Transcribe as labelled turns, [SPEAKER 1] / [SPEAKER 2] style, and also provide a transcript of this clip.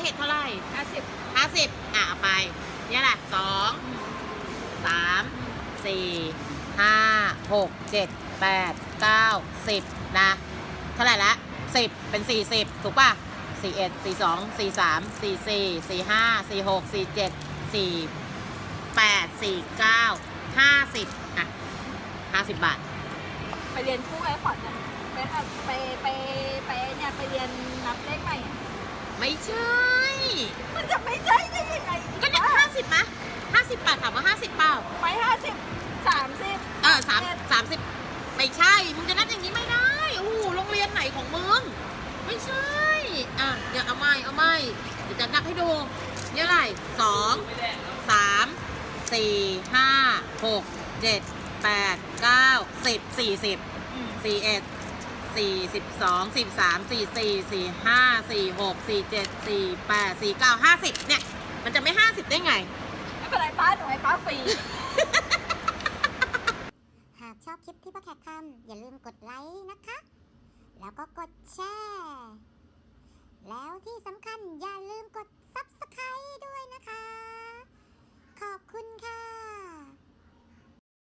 [SPEAKER 1] เห็ดเท่าไหร่
[SPEAKER 2] 50
[SPEAKER 1] 50เอาไปเนี่ยแหละ2 3 4 5 6 7 8 9 10นะเท่าไหร่ละ10เป็น40ถูกป่ะ41 42 43 44 45 46 47 48 49 5050 บาท
[SPEAKER 2] ไปเรียนคู่ไอ้ขวัญอะไปเนี่ยไปเรียนนับเลขใหม่อะ
[SPEAKER 1] ไม่ใช่
[SPEAKER 2] มันจะไม่ใช่ได้ยังไง
[SPEAKER 1] ก็เนี่ย50มะ50 บาทถามว่า50เปล่า
[SPEAKER 2] ไป50 30
[SPEAKER 1] 30ไม่ใช่มึงจะนับอย่างนี้ไม่ได้โอ้โหโรงเรียนไหนของมึงไม่ใช่เดี๋ยวเอาไม่เดี๋ยวจะนับให้ดูเนี่ยอะไร2 3 4 5 6 7 8 9 10 40 41 42 43 44 45 46 47 48 49 50เนี่ยมันจะไม่50ได้ไง
[SPEAKER 2] ไม่เป็นไรป้าหนูให้ป้าฟรี
[SPEAKER 3] หากชอบคลิปที่ป้าแขกทำอย่าลืมกดไลค์นะคะ แล้วก็กดแชร์ แล้วที่สำคัญอย่าลืม